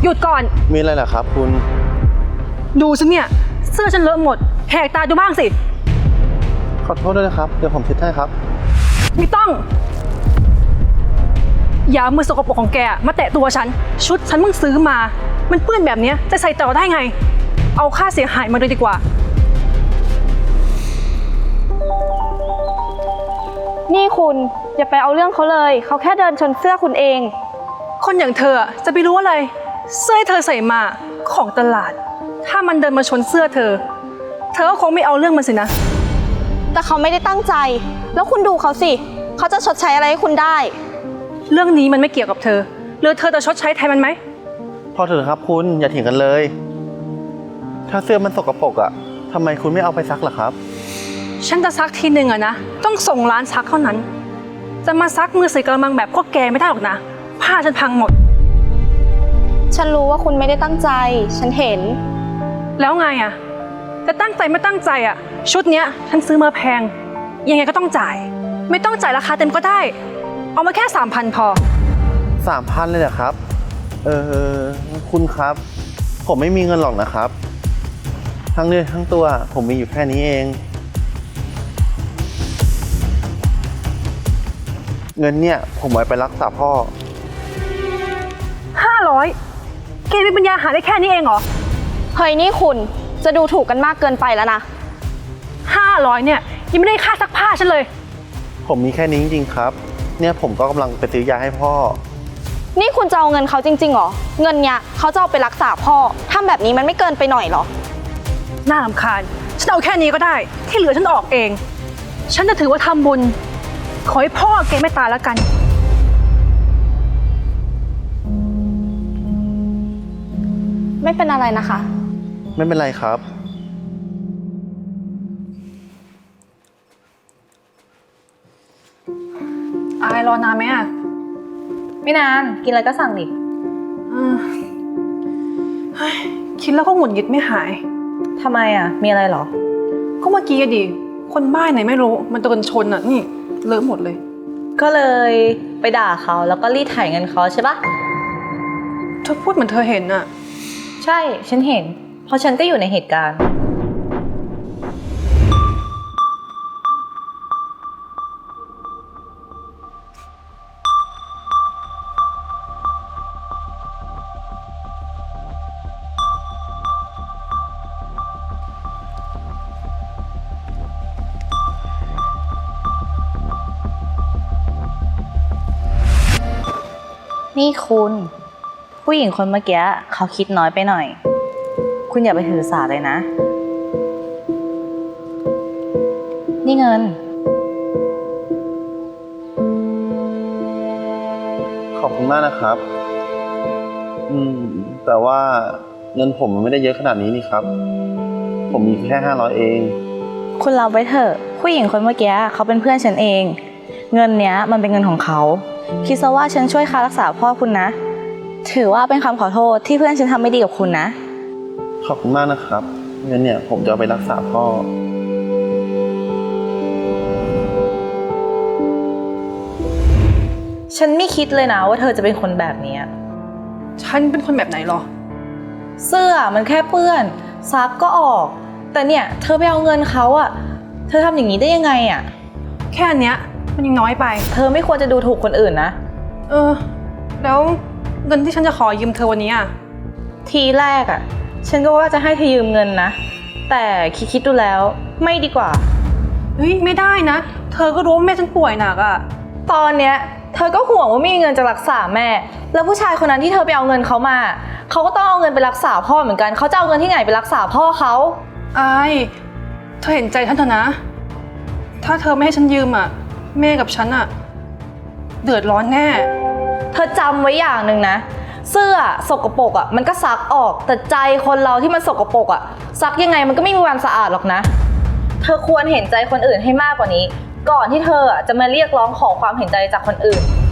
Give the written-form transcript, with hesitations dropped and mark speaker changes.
Speaker 1: หยุดก่อน
Speaker 2: มีอะไรเหรอครับคุณ
Speaker 1: ดูฉันเนี่ยเสื้อฉันเลอะหมดแหกตาดูบ้างสิ
Speaker 2: ขอโทษด้วยนะครับเดี๋ยวผมเช็ดให้ครับ
Speaker 1: ไม่ต้องอย่ามือสกปรกของแกมาแตะตัวฉันชุดฉันเพิ่งซื้อมามันเปื้อนแบบนี้จะใส่ต่อได้ไงเอาค่าเสียหายมาเลยดีกว่า
Speaker 3: นี่คุณอย่าไปเอาเรื่องเขาเลยเขาแค่เดินชนเสื้อคุณเอง
Speaker 1: คนอย่างเธอจะไปรู้อะไรเสื้อเธอใส่มาของตลาดถ้ามันเดินมาชนเสื้อเธอก็คงไม่เอาเรื่องมันสินะ
Speaker 3: แต่เขาไม่ได้ตั้งใจแล้วคุณดูเขาสิเขาจะชดใช้อะไรให้คุณได้
Speaker 1: เรื่องนี้มันไม่เกี่ยวกับเธอหรือเธอจะชดใช้แทนมันไหม
Speaker 2: พอเถอะครับคุณอย่าเถียงกันเลยถ้าเสื้อมันสกปรกอ่ะทำไมคุณไม่เอาไปซักล่ะครับ
Speaker 1: ฉันจะซักทีหนึ่งอะนะต้องส่งร้านซักเท่านั้นจะมาซักมือใส่กระมังแบบพวกแกไม่ได้หรอกนะผ้าฉันพังหมด
Speaker 3: ฉันรู้ว่าคุณไม่ได้ตั้งใจฉันเห็น
Speaker 1: แล้วไงอะจะตั้งใจไม่ตั้งใจอะชุดเนี้ยฉันซื้อมาแพงยังไงก็ต้องจ่ายไม่ต้องจ่ายราคาเต็มก็ได้เอามาแค่ 3,000 พอ
Speaker 2: 3,000เลยเหรอครับคุณครับผมไม่มีเงินหรอกนะครับทั้งเนื้อทั้งตัวผมมีอยู่แค่นี้เองเงินเนี่ยผมไว้ไปรักษาพ่อ
Speaker 1: 500แกมีปัญญาหาได้แค่นี้เองเหรอ
Speaker 3: เฮ้ยนี่คุณจะดูถูกกันมากเกินไปแล้วนะ
Speaker 1: 500เนี่ยยังไม่ได้ค่าซักผ้าฉันเลย
Speaker 2: ผมมีแค่นี้จริงๆครับเนี่ยผมก็กำลังไปซื้อยาให้พ่อ
Speaker 3: นี่คุณจะเอาเงินเขาจริงๆเหรอเงินเนี่ยเขาจะเอาไปรักษาพ่อทำแบบนี้มันไม่เกินไปหน่อยเหรอ
Speaker 1: น่ารำคาญฉันเอาแค่นี้ก็ได้ที่เหลือฉันออกเองฉันจะถือว่าทำบุญขอให้พ่อแกไม่ตายแล้วกัน
Speaker 3: ไม่เป็นอะไรนะคะ
Speaker 2: ไม่เป็นไรครับ
Speaker 1: อายรอนานไหมอะ
Speaker 3: ไม่นานกินอะไรก็สั่งดิ
Speaker 1: คิดแล้วก็หงุดหงิดไม่หาย
Speaker 3: ทำไมอะมีอะไรหรอ
Speaker 1: ก็เมื่อกี้ดิคนบ้าไหนไม่รู้มันโดนชนอะนี่เลอะหมดเลย
Speaker 3: ก็เลยไปด่าเขาแล้วก็รีดไถเงินเขาใช่ปะ
Speaker 1: เธอพูดเหมือนเธอเห็นอะ
Speaker 3: ใช่ฉันเห็นเพราะฉันก็อยู่ในเหตุการณ์นี่คุณผู้หญิงคนเมื่อกี้เขาคิดน้อยไปหน่อยคุณอย่าไปถือสาเลยนะนี่เงิน
Speaker 2: ขอบคุณมากนะครับแต่ว่าเงินผมมันไม่ได้เยอะขนาดนี้นี่ครับผมมีแค่500เอง
Speaker 3: คุณรับไว้เถอะผู้หญิงคนเมื่อกี้เขาเป็นเพื่อนฉันเองเงินเนี้ยมันเป็นเงินของเขาคิดซะว่าฉันช่วยค่ารักษาพ่อคุณนะถือว่าเป็นคำขอโทษที่เพื่อนฉันทำไม่ดีกับคุณนะ
Speaker 2: ขอบคุณมากนะครับเงินเนี่ยผมจะเอาไปรักษาพ่อ
Speaker 3: ฉันไม่คิดเลยนะว่าเธอจะเป็นคนแบบนี้
Speaker 1: ฉันเป็นคนแบบไหนหรอ
Speaker 3: เสื้อมันแค่เปื้อนซักก็ออกแต่เนี่ยเธอไปเอาเงินเขาอะเธอทำอย่างนี้ได้ยังไงอะ
Speaker 1: แค่เนี้ยมันยังน้อยไป
Speaker 3: เธอไม่ควรจะดูถูกคนอื่นนะ
Speaker 1: แล้วเงินที่ฉันจะขอยืมเธอวันนี้อะ
Speaker 3: ทีแรกอะฉันก็ว่าจะให้เธอยืมเงินนะแต่คิดดูแล้วไม่ดีกว่า
Speaker 1: เฮ้ยไม่ได้นะเธอก็รู้ว่าแม่ฉันป่วยหนักอะ
Speaker 3: ตอนเนี้ยเธอก็ห่วงว่าไม่มีเงินจะรักษาแม่แล้วผู้ชายคนนั้นที่เธอไปเอาเงินเขามาเขาก็ต้องเอาเงินไปรักษาพ่อเหมือนกันเขาจะเอาเงินที่ไหนไปรักษาพ่อเขา
Speaker 1: อายเธอเห็นใจฉันเถอะนะถ้าเธอไม่ให้ฉันยืมอะแม่กับฉันอะเดือดร้อนแน่
Speaker 3: เธอจำไว้อย่างหนึ่งนะเสื้อสกปรกอะมันก็ซักออกแต่ใจคนเราที่มันสกปรกอะซักยังไงมันก็ไม่มีวันสะอาดหรอกนะเธอควรเห็นใจคนอื่นให้มากกว่านี้ก่อนที่เธอจะมาเรียกร้องขอความเห็นใจจากคนอื่น